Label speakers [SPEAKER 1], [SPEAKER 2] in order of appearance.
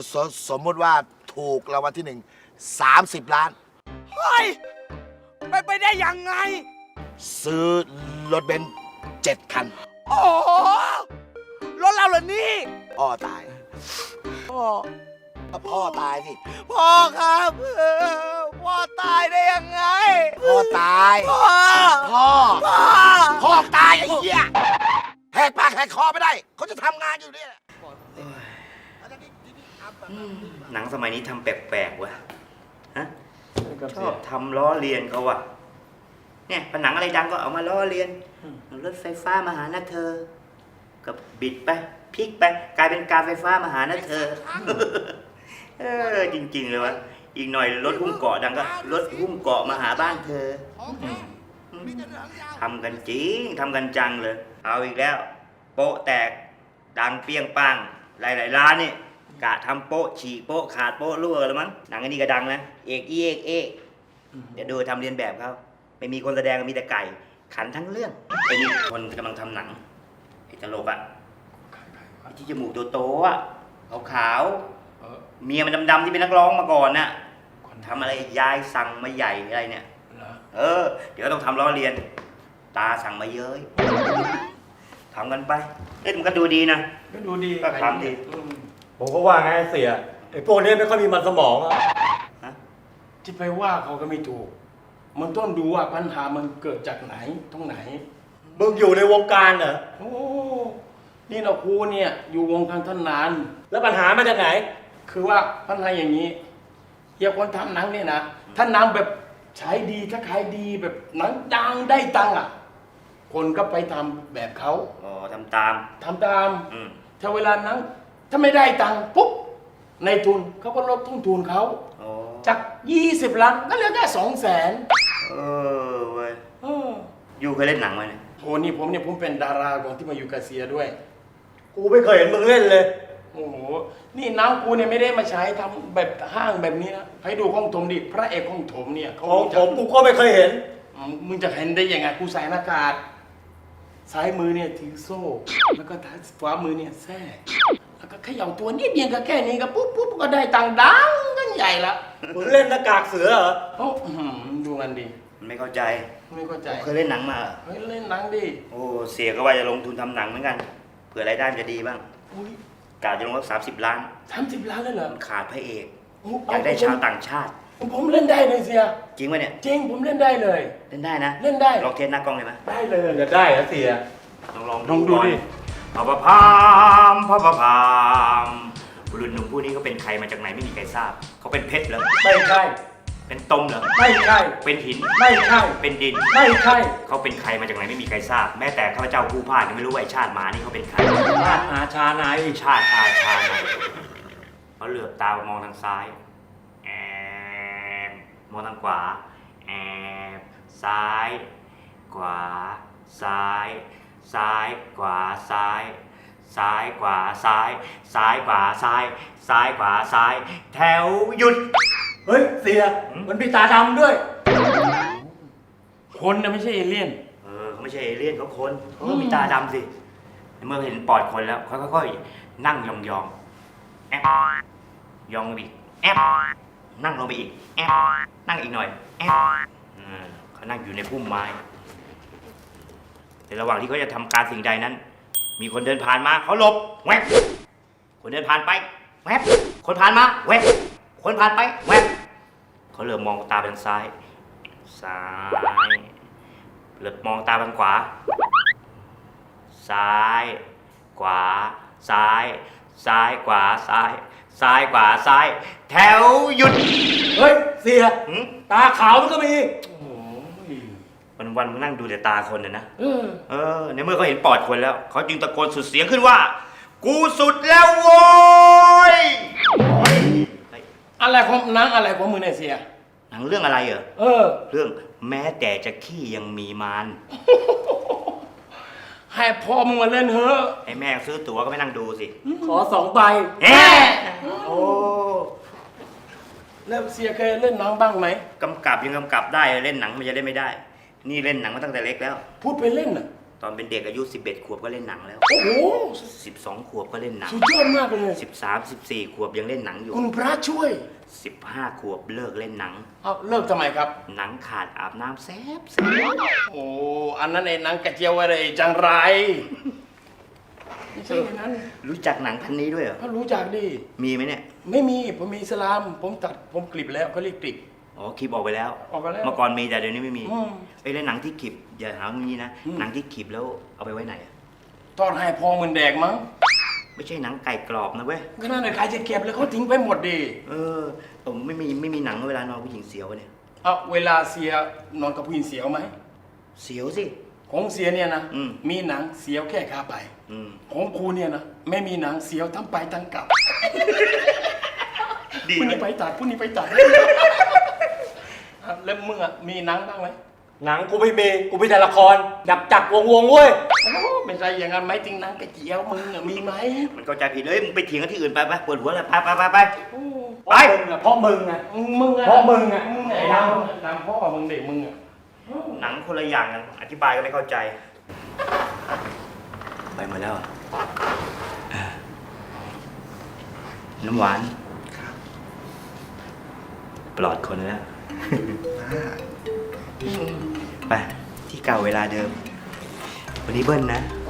[SPEAKER 1] สมมติว่าถูกรางวัลที่1 30 ล้าน
[SPEAKER 2] เฮ้ยไปได้ยังไง
[SPEAKER 1] ซื้อรถเบนซ์7 คัน
[SPEAKER 2] โอ้โหรถเราเหรอนี่
[SPEAKER 1] พ่อตาย
[SPEAKER 2] พ่อ
[SPEAKER 1] พ่อตายสิ
[SPEAKER 2] พ่อครับพ่อตายได้ยังไง
[SPEAKER 1] พ่อตาย
[SPEAKER 2] พ่อ
[SPEAKER 1] พ่อ
[SPEAKER 2] พ่อ
[SPEAKER 1] พ่อตายไอ้เหี้ยแหกปากแหกคอไม่ได้ เขาจะทำงานอยู่เนี่ย
[SPEAKER 3] หนังสมัยนี้ทำแปลกๆวะฮะชอบทำล้อเลียนเขาวะเนี่ยผนังอะไรดังก็เอามาล้อเลียนรถไฟฟ้ามาหานะเธอกับบิดไปพลิกไปกลายเป็นการไฟฟ้ามาหานะเธอจริงๆเลยวะอีกหน่อยรถหุ้มเกาะดังก็รถหุ้มเกาะมาหาบ้านเธอทำกันจริงทำกันจังเลยเอาอีกแล้วโป๊ะแตกดังเปี้ยงปังหลายๆร้านนี่กะทำโป๊ะฉีกโป๊ะขาดโป๊ะรั่วแล้วมั้งหนังอันนี้ก็ดังนะเอกเดี๋ยวดูทำเรียนแบบเขาไม่มีคนแสดงมีแต่ไก่ขันทั้งเรื่องไอ้นี่คนกำลังทำหนังไอ้ตลกอ่ะไอ้ที่จมูกโตๆอ่ะขาวๆเมียมันดำๆที่เป็นนักร้องมาก่อนน่ะทำอะไรยายสั่งมาใหญ่อะไรเนี่ยเดี๋ยวต้องทำล้อเลียนตาสั่งมาเย้ยทำกันไปมันก็ดูดีนะ
[SPEAKER 4] ก็ดูดี
[SPEAKER 3] ก็ทำดี
[SPEAKER 4] ผมก็ว่าไงเสียไอ้พวกนี้ไม่ค่อยมีมันสมองอะ
[SPEAKER 5] จะไปว่าเขาก็ไม่ถูกมันต้องดูว่าปัญหามันเกิดจากไหนตรงไหน
[SPEAKER 4] มึงอยู่ในวงการเหรอ
[SPEAKER 5] โอ้นี่เราครูเนี่ยอยู่วงการท่านนาน
[SPEAKER 4] แล้วปัญหามาจากไหน
[SPEAKER 5] คือว่าปัญหาอย่างนี้เฮียคนทำหนังเนี่ยนะถ้าหนังแบบใช้ดีถ้าขายดีแบบหนังดังได้ตังค์อ่ะคนก็ไปทำแบบเขา
[SPEAKER 3] ทำตาม
[SPEAKER 5] ถ้าเวลาหนังถ้าไม่ได้ตังค์ปุ๊บในทุนเขาก็ลดต้นทุนเขาจาก20 ล้านก็เหลือแค่200,000
[SPEAKER 3] เว้ยอยู่เคยเล่นหนังไหมเนี่ย
[SPEAKER 5] โหนี่ผมเป็นดาราของที่มาอยู่กาเซียด้วย
[SPEAKER 4] กูไม่เคยเห็นมึงเล่นเลย
[SPEAKER 5] โอ้โหนี่น้ำกูเนี่ยไม่ได้มาใช้ทำแบบห้างแบบนี้นะให้ดูของถมดิพระเอกของถมเนี่ย
[SPEAKER 4] ของผมกูก็ไม่เคยเห็น
[SPEAKER 5] มึงจะเห็นได้ยังไงกูใส่หน้ากากซ้ายมือเนี่ยถือโซ่แล้วก็ขวามือเนี่ยแส้แล้วก็เขย่าตัวนิดเดียวก็แค่นี้ก็ปุ๊บก็ได้ตังค์ดังกันใหญ่ละ
[SPEAKER 4] มึงเล่นหน้ากากเสือเหรอ
[SPEAKER 5] โอ้ดูมันดิ
[SPEAKER 3] ไม่เข้าใจเคยเล่นหนังมา
[SPEAKER 5] เฮ้ยเล่นหนังดิ
[SPEAKER 3] โอ้เสียก็ว่าจะลงทุนทำหนังเหมือนกันเผื่อรายได้มันจะดีบ้างกะจะลงสัก30 ล้าน
[SPEAKER 5] 30 ล้านเลยเหรอ
[SPEAKER 3] ขาดพระเอกอยากได้ชาวต่างชาติ
[SPEAKER 5] ผมเล่นได้เลยเสีย
[SPEAKER 3] จริงไหมเนี่ย
[SPEAKER 5] จริงผมเล่นได้เลย
[SPEAKER 3] เล่นได้นะ
[SPEAKER 5] เล่นได้
[SPEAKER 3] ลองเทสหน้ากล้องเลยไหม
[SPEAKER 5] ได้เลย
[SPEAKER 4] จะได้เหรอเสีย
[SPEAKER 3] ลองดูดิพะพามบุรุษหนุ่มผู้นี้เขาเป็นใครมาจากไหนไม่มีใครทราบเขาเป็นเพชรเหรอ
[SPEAKER 4] ไม่ใช่
[SPEAKER 3] เป็นตมเหรอ
[SPEAKER 4] ไม่ใช่
[SPEAKER 3] เป็นหิน
[SPEAKER 4] ไม่ใช่
[SPEAKER 3] เป็นดิน
[SPEAKER 4] ไม่ใช่
[SPEAKER 3] เขาเป็นใครมาจากไหนไม่มีใครทราบแม้แต่ข้าพเจ้าผู้พาดยังไม่รู้ว่าไอ้ชาติหมานี่เขาเป็นใคร
[SPEAKER 4] ชาติอาชาไหน
[SPEAKER 3] ชาติอาชาไหนเขาเหลือบตามองทางซ้ายมองทางขวาซ้ายขวาซ้ายขวาซ้ายขวาซ้ายขวาซ้ายขวาซ้ายแถวหยุด
[SPEAKER 4] เฮ้ยเสียมันมีตาดำด้วย
[SPEAKER 5] คนนะไม่ใช่เอเลี่ยน
[SPEAKER 3] เขาไม่ใช่เอเลี่ยนเขาคนเขามีตาดำสิเมื่อเห็นปอดคนแล้วเขาค่อยๆนั่งยองแอบยองลงไปอีกแอบนั่งลงไปอีกแอบนั่งอีกหน่อยแอบเขานั่งอยู่ในพุ่มไม้ในระหว่างที่เขาจะทำการสิ่งใดนั้นมีคนเดินผ่านมาเขาหลบแวบคนเดินผ่านไปแวบคนผ่านมาแวบคนผ่านไปแวบเขาเหลือบมองตาไปทางซ้ายเหลือบมองตาไปทางขวาซ้ายขวาซ้ายขวาซ้ายขวาซ้ายแถวหยุด
[SPEAKER 4] เฮ้ยเสียตาขาวมันก็มี
[SPEAKER 3] วันๆมึงนั่งดูแต่ตาคนนะในเมื่อเขาเห็นปอดคนแล้วเขาจึงตะโกนสุดเสียงขึ้นว่ากูสุดแล้วโว้ย
[SPEAKER 5] อะไรของหนังอะไรของมึงเนี่ยเสีย
[SPEAKER 3] หนังเรื่องอะไรเหรอเรื่องแม้แต่จะขี้ยังมีมาร
[SPEAKER 5] ให้พ่อมึงมาเล่นเถอะ
[SPEAKER 3] ให้แม่ซื้อตั๋วก็ไม่นั่งดูสิ
[SPEAKER 4] ขอ2 ใบ
[SPEAKER 5] โอ้แล้วเสียเคยเล่นหนังบ้างไหม
[SPEAKER 3] กำกับยังกำกับได้เล่นหนังมันจะเล่นไม่ได้นี่เล่นหนังมาตั้งแต่เล็กแล้ว
[SPEAKER 5] พูดไปเล่นน่ะ
[SPEAKER 3] ตอนเป็นเด็กอายุ 11 ขวบก็เล่นหนังแล้ว
[SPEAKER 5] โอ้โห
[SPEAKER 3] 12 ขวบก็เล่นหนัง
[SPEAKER 5] สุดยอดมากเลย
[SPEAKER 3] 13 14 ขวบยังเล่นหนังอยู่
[SPEAKER 5] คุณพระช่วย
[SPEAKER 3] 15 ขวบเลิกเล่นหนัง
[SPEAKER 5] เอาเลิกทำไมครับ
[SPEAKER 3] หนังขาดอาบน้ำแซ่บ
[SPEAKER 5] โอ้อันนั้นไอ้หนังกระเจียวอะไรจังไรไม่ใช่อย่างนั้น
[SPEAKER 3] รู้จักหนังพันนี้ด้วยเหรอ
[SPEAKER 5] ก็รู้จักดิ
[SPEAKER 3] มีไหมเนี่ย
[SPEAKER 5] ไม่มีผมมีอิสลามผมตัดผมกลิบแล้วเขาเรียกกลิบ
[SPEAKER 3] อ๋อคลิปออกไปแล้ว
[SPEAKER 5] ออกไปแล้ว
[SPEAKER 3] เมื่อก่อนมีแต่เดี๋ยวนี้ไม่มี
[SPEAKER 5] อืม
[SPEAKER 3] ไอ้เล่นหนังที่คลิปอย่าหาว่างี้นะ หนังที่คลิปแล้วเอาไปไว้ไหนอะ
[SPEAKER 5] ทอดให้พอมันแดกมั้ง
[SPEAKER 3] ไม่ใช่หนังไก่กรอบนะเว้ย
[SPEAKER 5] ก็นั่นแหละใครจะเก็บเลยเขาทิ้งไปหมดดิ
[SPEAKER 3] ผมไม่มีหนังเวลานอนผู้หญิงเสียวเนี่ย
[SPEAKER 5] เอาเวลาเสียนอนกับผู้หญิงเสียวไหม
[SPEAKER 3] เสียวสิ
[SPEAKER 5] ของเสียเนี่ยนะ
[SPEAKER 3] อืม
[SPEAKER 5] มีหนังเสียวแค่ขาไป
[SPEAKER 3] อืม
[SPEAKER 5] ของครูเนี่ยนะไม่มีหนังเสียวทั้งไปทั้งกลับ
[SPEAKER 3] ดี
[SPEAKER 5] ผู้
[SPEAKER 3] ไหม
[SPEAKER 5] นี้ไปตัดผู้นี้ไปตัด อ่ะแล้วมึงอ่ะมีหนังบ้างไหม
[SPEAKER 4] หนังกูไม่มี กูมีแต่ละคร ดับจักรวงเว้ย
[SPEAKER 5] โอ้ไม่ใช่อย่างนั้นไหมจริงหนังกระเจียวมึงอ่ะมีไหม
[SPEAKER 3] มันเข้าใจผิดเลยมึงไปเถียงกันที่อื่นไปปวดหัวเลยไป
[SPEAKER 5] โอ้
[SPEAKER 3] ไป
[SPEAKER 4] เพราะมึงอะ
[SPEAKER 5] มึงอ่ะ
[SPEAKER 4] เพราะมึงอะ
[SPEAKER 5] มึงไอ้ดำพ่อมึงเด็กมึงอ่ะ
[SPEAKER 3] หนังคนละอย่างกันอธิบายก็ไม่เข้าใจ ไปหมดแล้วอะน้ำหวานปลอดคนแล้ว ไปที่เก่าเวลาเดิม วันนี้เบิ้ลนะ